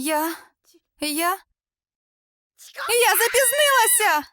Я запізнилася!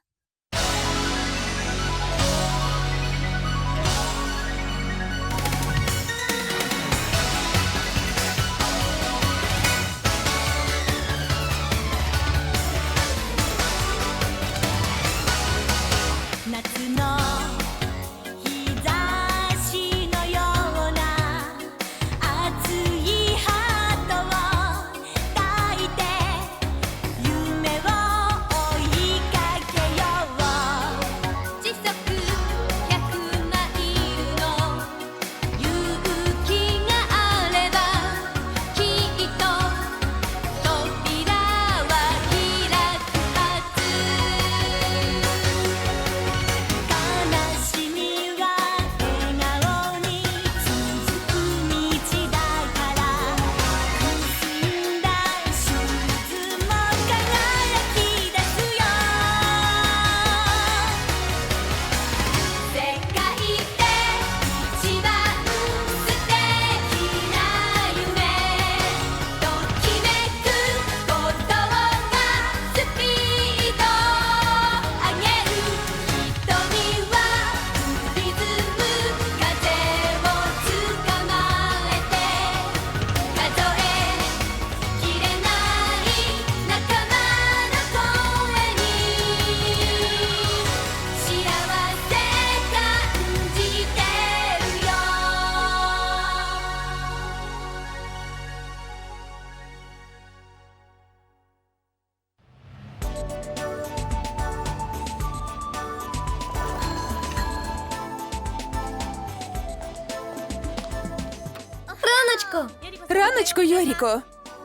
Раночко, Йоріко.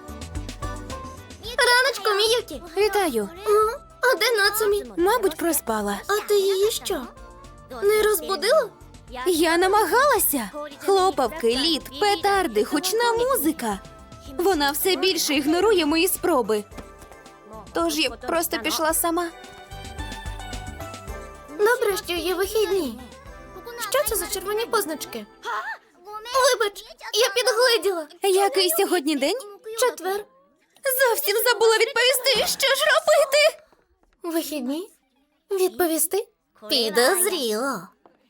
Раночку, Міюкі. Вітаю. А де Нацумі? Мабуть, проспала. А ти її що? Не розбудила? Я намагалася. Хлопавки, лід, петарди, гучна музика. Вона все більше ігнорує мої спроби. Тож я просто пішла сама. Добре, що є вихідні. Що це за червоні позначки? Вибач, я підгледіла. Який сьогодні день? Четвер. Зовсім забула відповісти. Що ж робити? Вихідні? Відповісти? Підозріло.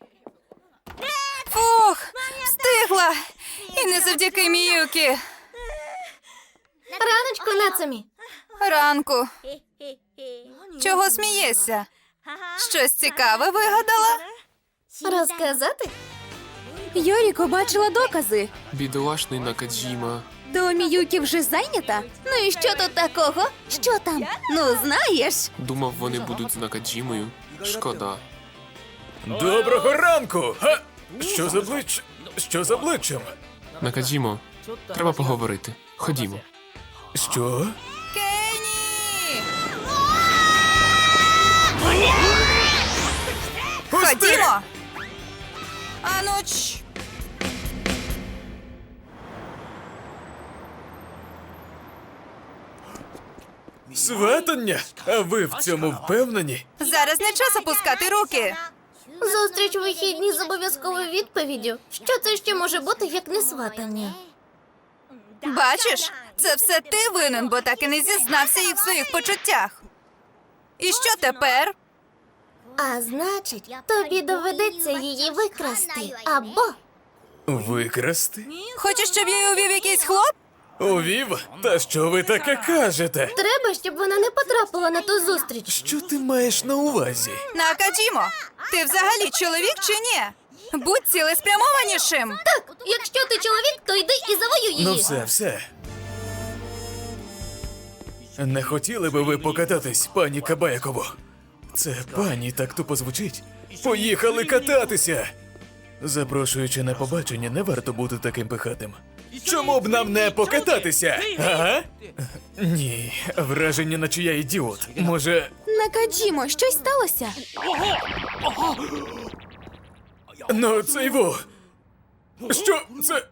Фух, встигла! І не завдяки Міюкі. Раночку, Нацумі. Ранку. Чого смієшся? Щось цікаве вигадала? Розказати? Йоріко бачила докази. Бідолашний Накаджіма. То Міюкі вже зайнята? Ну і що тут такого? Що там? Ну, знаєш. Думав, вони будуть з Накаджімою. Шкода. Доброго ранку! Га! Що з обличчям? Накаджімо, треба поговорити. Ходімо. Що? Кені! Пусти! Ходімо! Ану, чш! Сватання? А ви в цьому впевнені? Зараз не час опускати руки. Зустріч у вихідні з обов'язковою відповіддю. Що це ще може бути, як не сватання? Бачиш, це все ти винен, бо так і не зізнався їй в своїх почуттях. І що тепер? А значить, тобі доведеться її викрасти. Або Викрасти? Хочеш, щоб я її увів якийсь хлоп? Увів? Та що ви таке кажете? треба, щоб вона не потрапила на ту зустріч. Що ти маєш на увазі? Накаджімо, ти взагалі чоловік чи ні? Будь цілеспрямованішим. Так, якщо ти чоловік, то йди і завоюй її. Ну все. Не хотіли би ви покататись, пані Кабаяково? Це пані так тупо звучить. Поїхали кататися! Запрошуючи на побачення, не варто бути таким пихатим. Чому б нам не покататися? Ага? Ні, враження, наче я ідіот. Може, Накаджімо, щось сталося? ну це його. Що це?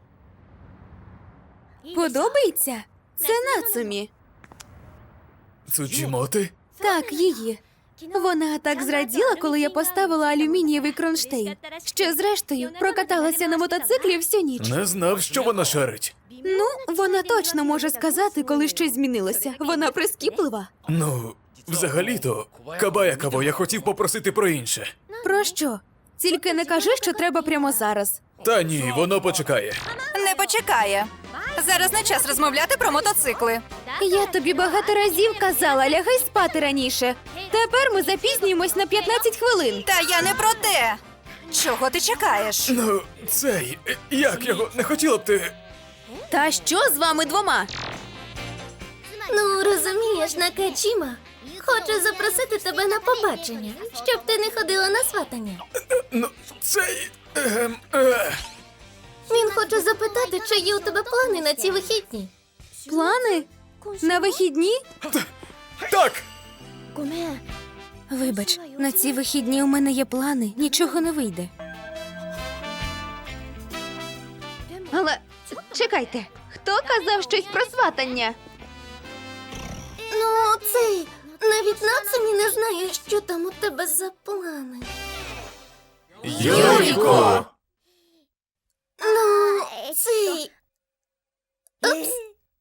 Подобається? Це Нацумі. Цуджімоти? Так, її. Вона так зраділа, коли я поставила алюмінієвий кронштейн, що зрештою прокаталася на мотоциклі всю ніч. Не знав, що вона шарить. Ну, вона точно може сказати, коли щось змінилося. Вона прискіплива. Ну, взагалі-то, Кабаякаво, я хотів попросити про інше. Про що? Тільки не кажи, що треба прямо зараз. Та ні, воно почекає. Не почекає. Зараз не час розмовляти про мотоцикли. Я тобі багато разів казала, лягай спати раніше. Тепер ми запізнюємось на 15 хвилин. Та я не про те. Чого ти чекаєш? Ну, цей, як його, не хотіла б ти... Та що з вами двома? Ну, розумієш, Накаджіма хоче запросити тебе на побачення, щоб ти не ходила на сватання. Ну, цей... Він хоче запитати, чи є у тебе плани на ці вихідні. Плани? На вихідні? Так! Вибач, на ці вихідні у мене є плани, нічого не вийде. Але чекайте, хто казав щось про сватання? Ну, цей, навіть Нацумі не знає, що там у тебе за плани. Юріко! Ну, цей... Упс.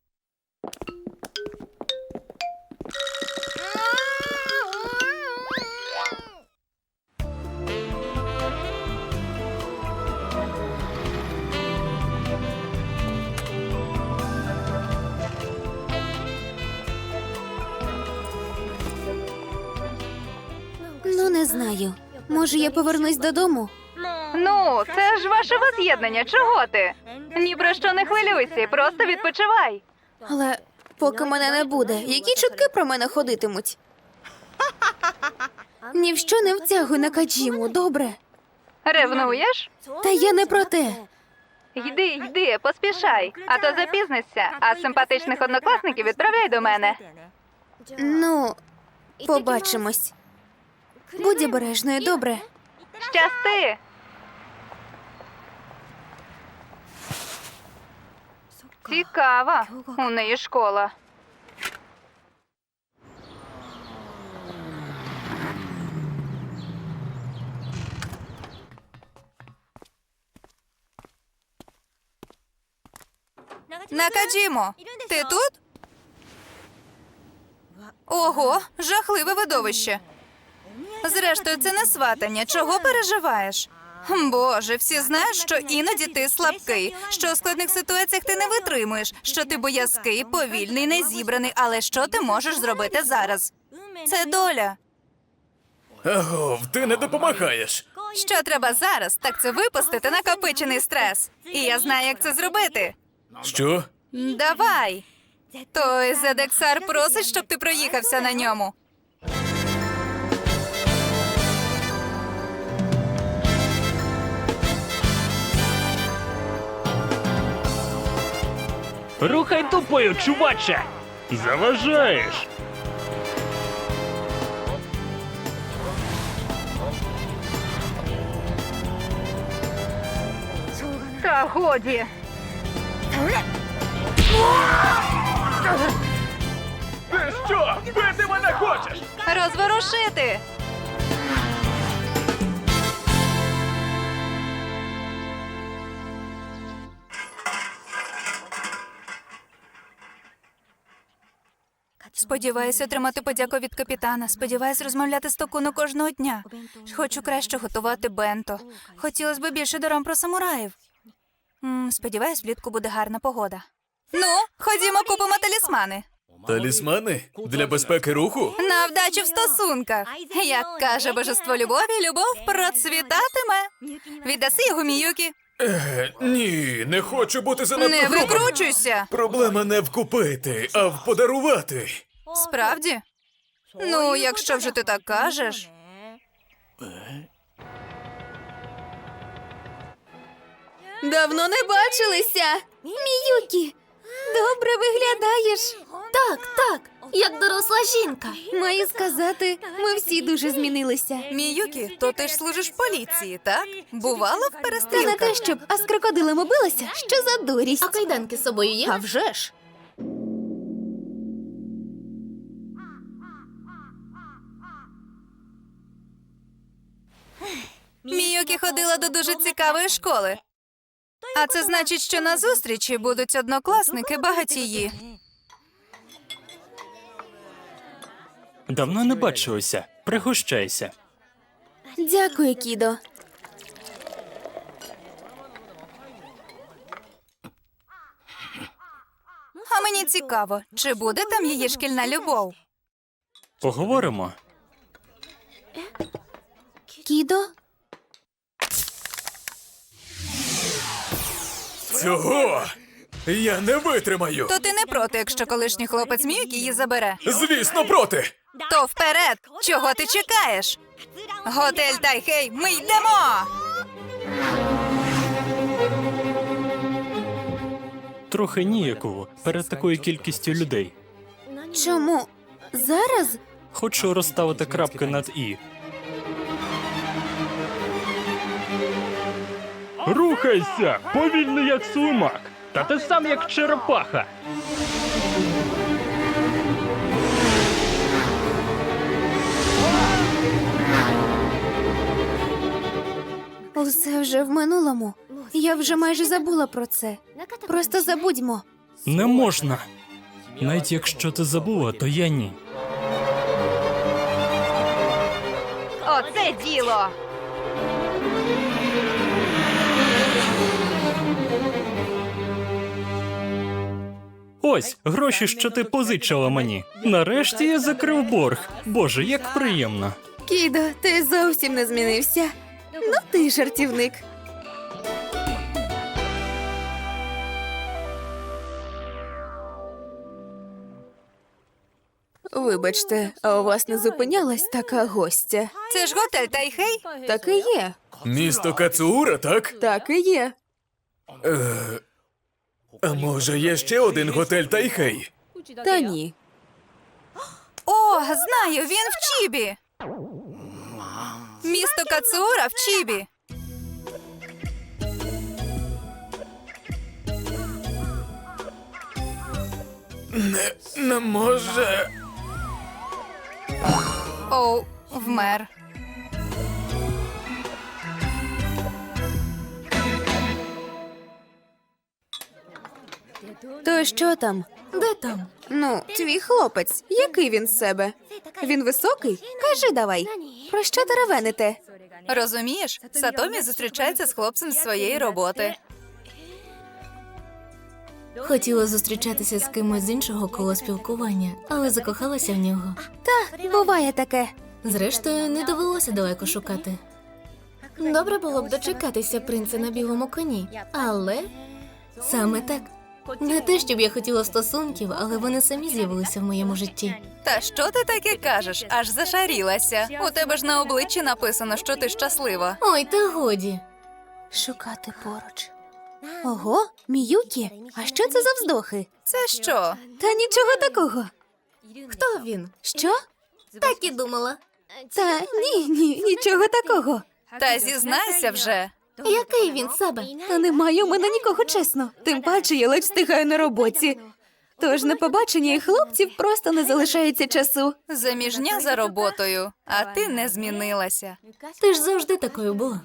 Ну, не знаю. Може, я повернусь додому? Ну, це ж ваше воз'єднання. Чого ти? Ні про що не хвилюйся, просто відпочивай. Але поки мене не буде, які чутки про мене ходитимуть? Ні в що не втягуй Накаджіму, добре? Ревнуєш? Та я не про те. Йди, поспішай, а то запізнишся, а симпатичних однокласників відправляй до мене. Ну, побачимось. Будь обережною, добре? Щасти! Цікава. У неї школа. Накаджімо, ти тут? Ого, жахливе видовище. Зрештою, це не сватання. Чого переживаєш? Боже, всі знають, що іноді ти слабкий, що у складних ситуаціях ти не витримуєш, що ти боязкий, повільний, незібраний. Але що ти можеш зробити зараз? Це доля. Агов, ти не допомагаєш. Що треба зараз, так це випустити накопичений стрес. І я знаю, як це зробити. Що? Давай. Той Зедексар просить, щоб ти проїхався на ньому. Рухай тупою, чуваче! Заважаєш! Та годі. Ти що? Бити мене хочеш? Розворушити. Сподіваюся отримати подяку від капітана. Сподіваюся розмовляти з Токуно кожного дня. Хочу краще готувати бенто. Хотілося б більше дорам про самураїв. Сподіваюсь, влітку буде гарна погода. Ну, ходімо, купимо талісмани. Талісмани? Для безпеки руху? На вдачу в стосунках. Як каже божество любові, любов процвітатиме. Віддаси його Міюкі. Ні, не хочу бути занадто Не грубим. викручуйся. Проблема не в купити, а в подарувати. Справді? Ну, якщо вже ти так кажеш. Давно не бачилися. Міюкі, добре виглядаєш. Так, як доросла жінка. Маю сказати, ми всі дуже змінилися. Міюкі, то ти ж служиш в поліції, так? Бувало в Та не перестрілках? те, щоб, а з крокодилами билася? Що за дурість? А кайданки з собою є? А вже ж. Міюкі ходила до дуже цікавої школи. А це значить, що на зустрічі будуть однокласники багатії. Давно не бачилися. Пригощайся. Дякую, Кідо. А мені цікаво, чи буде там її шкільна любов? Поговоримо. Кідо? Цього я не витримаю. То ти не проти, якщо колишній хлопець Міюкі її забере? Звісно, проти. То вперед! Чого ти чекаєш? Готель Тайхей, ми йдемо! Трохи ніяково перед такою кількістю людей. Чому? Зараз? Хочу розставити крапки над «і». Рухайся! Повільно як слимак! Та ти сам як черепаха! Усе вже в минулому. Я вже майже забула про це. Просто забудьмо. Не можна. Навіть якщо ти забула, то я ні. Оце діло! Ось гроші, що ти позичила мені. Нарешті я закрив борг. Боже, як приємно. Кідо, ти зовсім не змінився. Ну ти жартівник. Вибачте, а у вас не зупинялась така гостя? Це ж готель Тайхей? Так і є. Місто Кацуура, так? Так і є. А може є ще один готель Тайхей? Та ні. О, знаю, він в Чібі! Місто Кацуура в Чібі. Не може. Оу, вмер. То що там? Де там? Ну, твій хлопець. Який він з себе? Він високий? Кажи давай. Про що теревените? Розумієш, Сатомі зустрічається з хлопцем з своєї роботи. Хотіла зустрічатися з кимось з іншого коло спілкування, але закохалася в нього. Буває таке. Зрештою, не довелося далеко шукати. Добре було б дочекатися принца на білому коні, але саме так. Не те, щоб я хотіла стосунків, але вони самі з'явилися в моєму житті. Та що ти таке кажеш? Аж зашарілася. У тебе ж на обличчі написано, що ти щаслива. Ой, та годі. Шукати поруч. Ого, Міюкі, а що це за вздохи? Це що? Та нічого такого. Хто він? Що? Так і думала. Та ні, нічого такого. Та зізнайся вже. Який він себе? Та немає у мене нікого, чесно. Тим паче я ледь встигаю на роботі. Тож на побачення і хлопців просто не залишається часу. Заміжня за роботою, а ти не змінилася. Ти ж завжди такою була.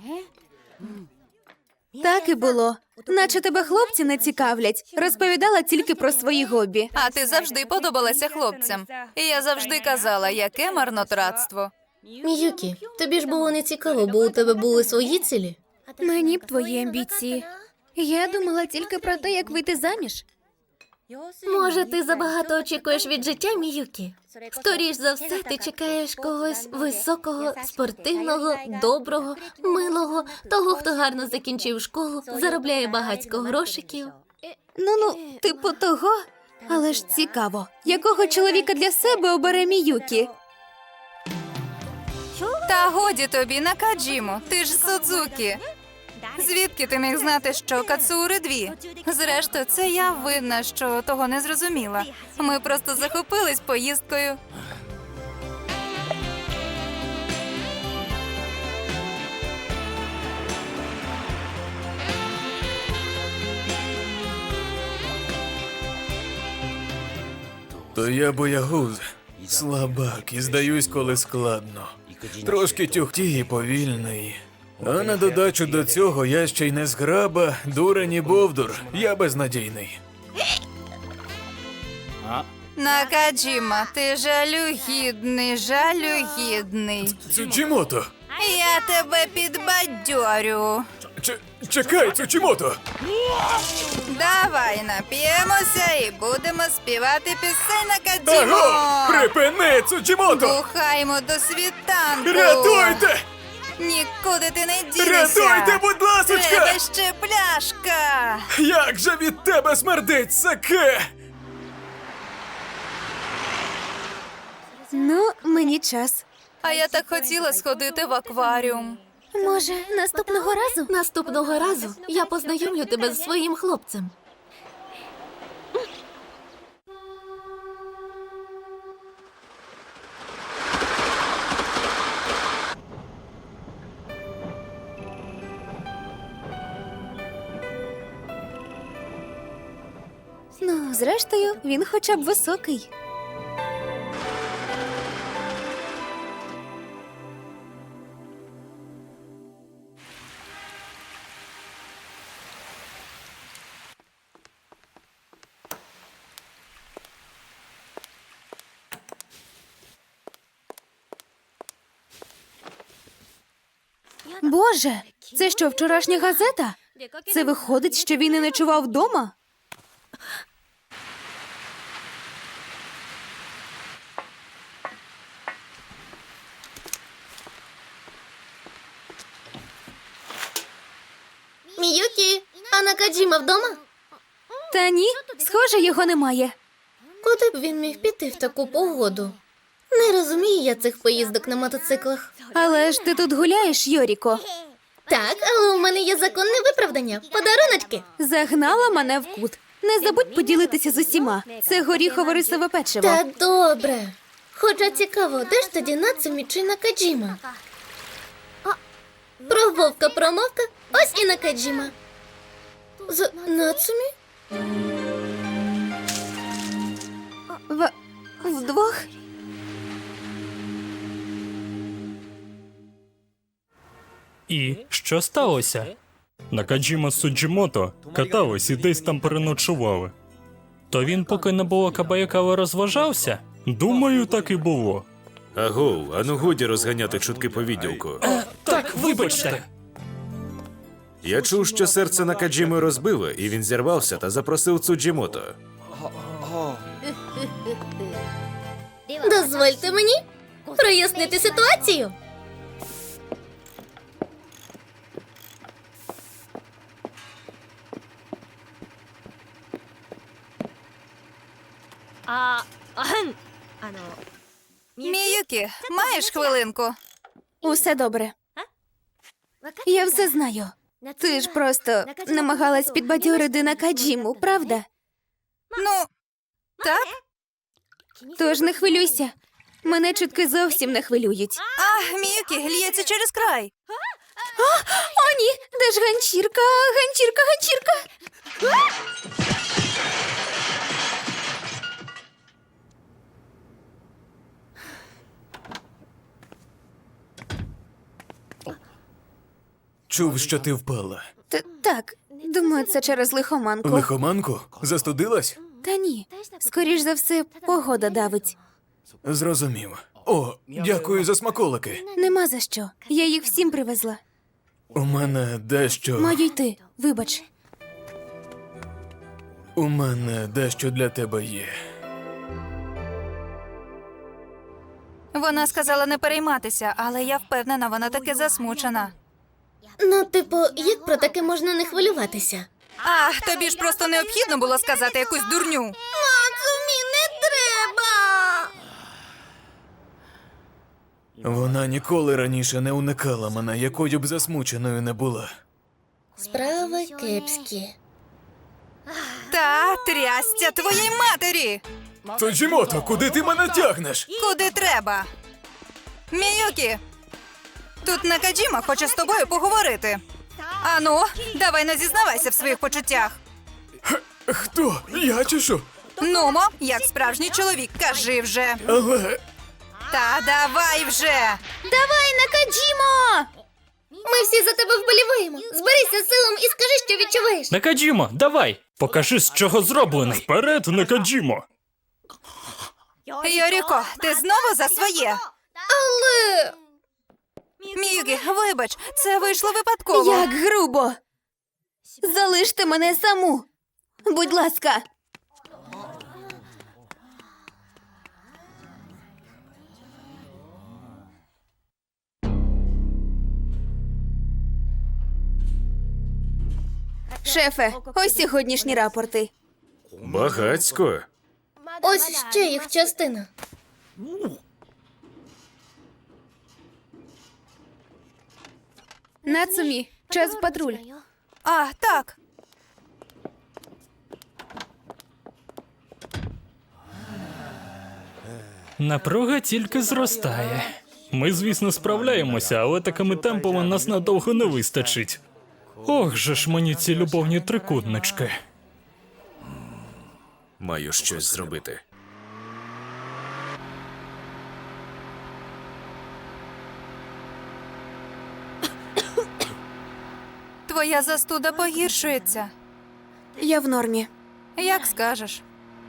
Так і було. Наче тебе хлопці не цікавлять. Розповідала тільки про свої хобі. А ти завжди подобалася хлопцям. І я завжди казала, яке марнотратство. Міюкі, тобі ж було не цікаво, бо у тебе були свої цілі. Мені б твої амбіції. Я думала тільки про те, як вийти заміж. Може, ти забагато очікуєш від життя, Міюкі? Скоріш за все, ти чекаєш когось високого, спортивного, доброго, милого, того, хто гарно закінчив школу, заробляє багатько грошиків. Ну, типу того. Але ж цікаво, якого чоловіка для себе обере Міюкі? Та годі тобі, Накаджімо, ти ж Судзукі. Звідки ти міг знати, що Кацуури дві? Зрештою, це я винна, що того не зрозуміла. Ми просто захопились поїздкою. То я боягуз, слабак і здаюсь, коли складно. Трошки тюхтій і повільний. А на додачу до цього я ще й не зграба, дурень і бовдур. Я безнадійний. Накаджіма, ти жалюгідний, жалюгідний. Цучімото! Я тебе підбадьорю. Чекай, Цучімото! Давай нап'ємося і будемо співати пісень Накаджімо. Аго! Припини, Цучімото! Бухаймо до світанку. Рятуйте! Нікуди ти не дінешся. Рятуйте, будь ласочка! Треба ще пляшка. Як же від тебе смердить саке! Ну, мені час. А я так хотіла сходити в акваріум. Може, наступного разу? Наступного разу я познайомлю тебе з своїм хлопцем. Ну, зрештою, він хоча б високий. Боже, це що, вчорашня газета? Це виходить, що він і ночував вдома? Міюкі, а Накаджіма вдома? Та ні, схоже, його немає. Куди б він міг піти в таку погоду? Не розумію я цих поїздок на мотоциклах. Але ж ти тут гуляєш, Йоріко. Так, але у мене є законне виправдання. Подаруночки. Загнала мене в кут. Не забудь поділитися з усіма. Це горіхово-рисове печиво. Та добре. Хоча цікаво, де ж тоді Нацумі чи Накаджіма? Про вовка промовка, ось і Накаджіма. З Нацумі? Вдвох? І що сталося? Накаджіма з Суджімото катались і десь там переночували. То він, поки не було Кабаякава, розважався? Думаю, так і було. Агов, ану годі розганяти чутки по відділку. Так, вибачте. Я чув, що серце Накаджіми розбило, і він зірвався та запросив Цуджімото. Дозвольте мені прояснити ситуацію. Міюкі, маєш хвилинку? Усе добре. Я все знаю. Ти ж просто намагалась підбадьорити Накаджіму, правда? Ну, так? Тож не хвилюйся. Мене чутки зовсім не хвилюють. Ах, Міюкі, лється через край. О, ні! Де ж ганчірка? Ганчірка, ганчірка! Чув, що ти впала. Так, думаю, це через лихоманку. Лихоманку? Застудилась? Та ні, скоріш за все, погода давить. Зрозумів. О, дякую за смаколики. Нема за що. Я їх всім привезла. У мене дещо. Маю йти, вибач. У мене дещо для тебе є. Вона сказала не перейматися, але я впевнена, вона таки засмучена. Ну, типу, як про таке можна не хвилюватися? Ах, тобі ж просто необхідно було сказати якусь дурню. Нацумі, не треба! Вона ніколи раніше не уникала мене, якою б засмученою не була. Справи кепські. Та трястя твоїй матері! Цуджімото, куди ти мене тягнеш? Куди треба? Міюкі! Тут Накаджіма хоче з тобою поговорити. Ану, давай не зізнавайся в своїх почуттях. Хто? Я чи що? Нумо, як справжній чоловік, кажи вже. Але Та давай вже! Давай, Накаджімо! Ми всі за тебе вболіваємо. Зберися силом і скажи, що відчуваєш. Накаджімо, давай! Покажи, з чого зроблений. Вперед, Накаджімо! Йоріко, ти знову за своє? Але... Міюкі, вибач, це вийшло випадково. Як грубо! Залиште мене саму! Будь ласка! Шефе, ось сьогоднішні рапорти. Багацько. Ось ще їх частина. Нацумі, час в патруль. А, так. Напруга тільки зростає. Ми, звісно, справляємося, але такими темпами нас надовго не вистачить. Ох же ж мені ці любовні трикутнички. Маю щось зробити. Твоя застуда погіршується. Я в нормі. Як скажеш.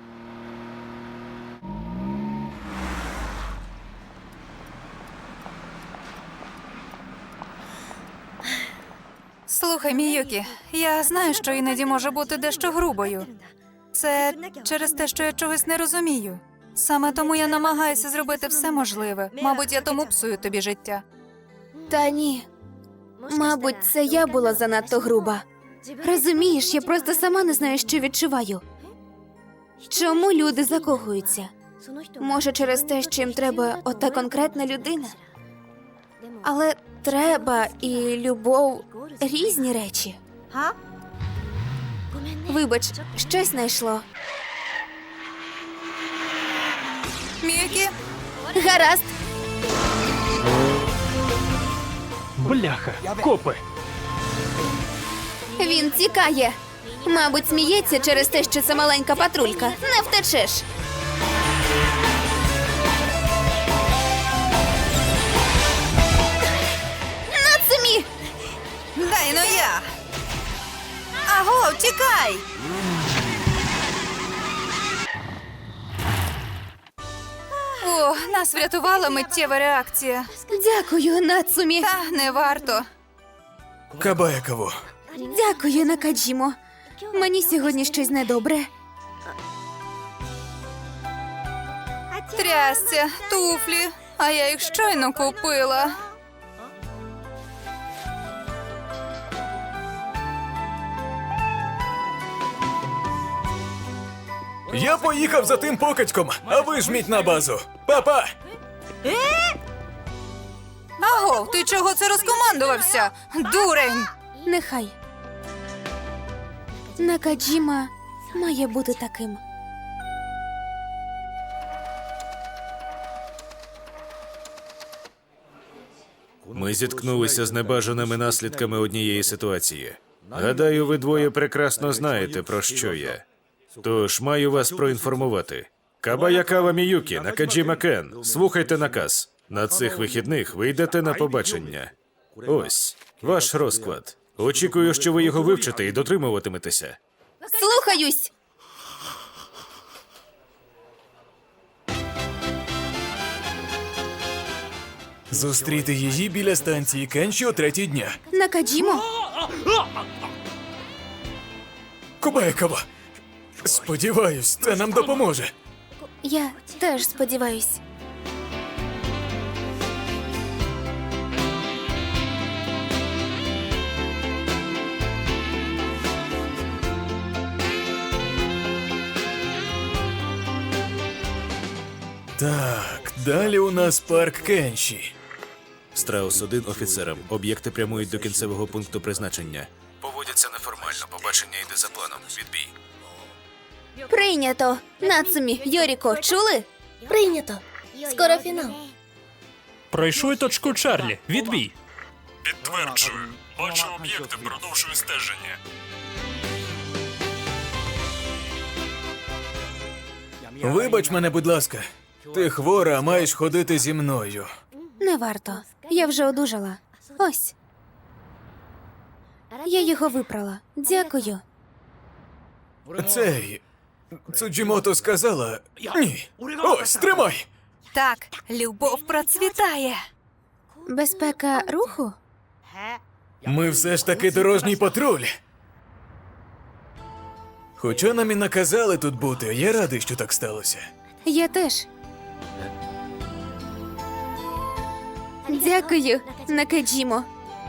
Слухай, Міюкі, я знаю, що іноді може бути дещо грубою. Це через те, що я чогось не розумію. Саме тому я намагаюся зробити все можливе. Мабуть, я тому псую тобі життя. Та ні. Мабуть, це я була занадто груба. Розумієш, я просто сама не знаю, що відчуваю. Чому люди закохуються? Може, через те, що їм треба ота конкретна людина? Але треба і любов різні речі. Вибач, щось знайшло. Міюкі, Гаразд. Бляха, копи! Він тікає. Мабуть, сміється через те, що це маленька патрулька. Не втечеш. Нацумі! дай ну я! Аго, тікай! О, нас врятувала миттєва реакція. Дякую, Нацумі. Та не варто. Кабаяково. Дякую, Накаджімо. Мені сьогодні щось недобре. Трясця, туфлі, а я їх щойно купила. Я поїхав за тим покидьком, а ви жміть на базу. Па-па! Аго, ти чого це розкомандувався? Дурень! Нехай. Накаджіма має бути таким. Ми зіткнулися з небажаними наслідками однієї ситуації. Гадаю, ви двоє прекрасно знаєте, про що я. Тож маю вас проінформувати. Кабаякава Міюкі, Накаджіма Кен, слухайте наказ. На цих вихідних ви йдете на побачення. Ось ваш розклад. Очікую, що ви його вивчите і дотримуватиметеся. Слухаюсь! Зустріти її біля станції Кенші о 3-й дня. Накаджімо? Кабаякова. Сподіваюсь, це нам допоможе. Я теж сподіваюсь. Так, далі у нас парк Кенші. Страус-1 офіцерам. Об'єкти прямують до кінцевого пункту призначення. Поводяться неформально. Побачення йде за планом. Відбій. Прийнято. Нацумі, Йоріко, чули? Прийнято. Скоро фінал. Пройшли точку Чарлі. Відбій. Підтверджую. Бачу об'єкти, продовжую стеження. Вибач мене, будь ласка. Ти хвора, а маєш ходити зі мною. Не варто. Я вже одужала. Ось. Я його випрала. Дякую. Цей. Цуджімото сказала. Ні. Ось, тримай! Так, любов процвітає. Безпека руху? Ми все ж таки дорожній патруль. Хоча нам і наказали тут бути, я радий, що так сталося. Я теж. Дякую, Накаджімо.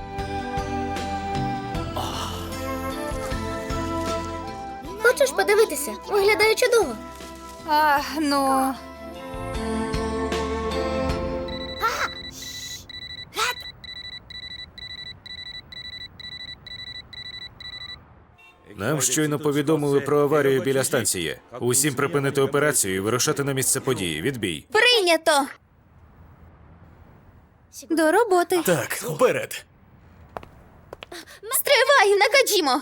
Хочеш подивитися? Виглядає чудово. Ну. Нам щойно повідомили про аварію біля станції. Усім припинити операцію і вирушати на місце події. Відбій. Прийнято! До роботи. Так, вперед. Стривай, Накаджімо!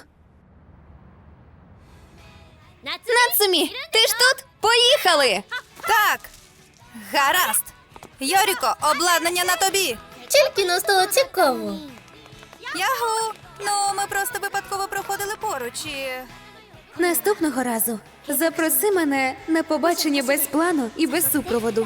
Нацумі, ти ж тут? Поїхали! Так. Гаразд. Йоріко, обладнання на тобі. Тільки не стало цікаво. Ягу. Ну, ми просто випадково проходили поруч і... Наступного разу запроси мене на побачення без плану і без супроводу.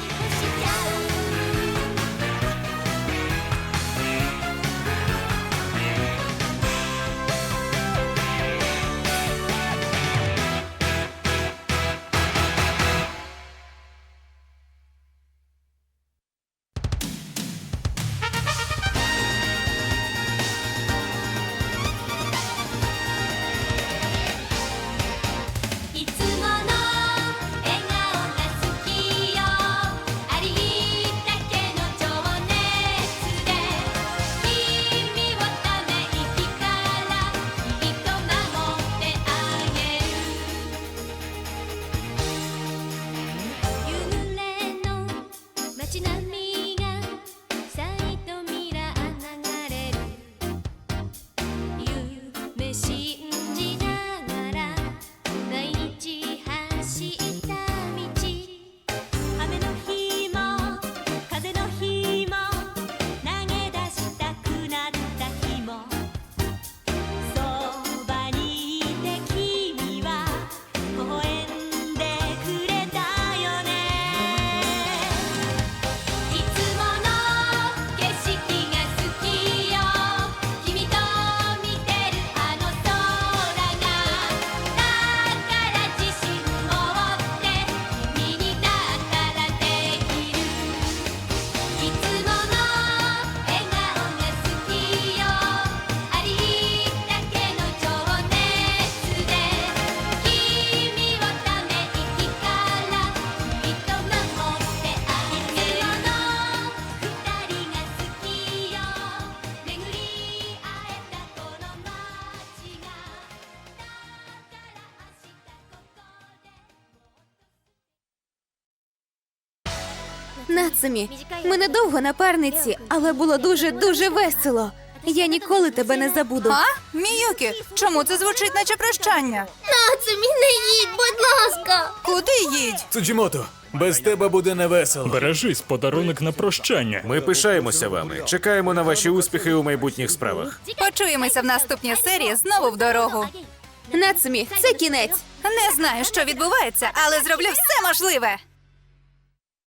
Нацумі, ми недовго напарниці, але було дуже весело. Я ніколи тебе не забуду. А? Міюкі, чому це звучить наче прощання? Нацумі, не їдь, будь ласка. Куди їдь? Цуджімото, без тебе буде невесело. Бережись, подарунок на прощання. Ми пишаємося вами. Чекаємо на ваші успіхи у майбутніх справах. Почуємося в наступній серії знову в дорогу. Нацумі, це кінець. Не знаю, що відбувається, але зроблю все можливе.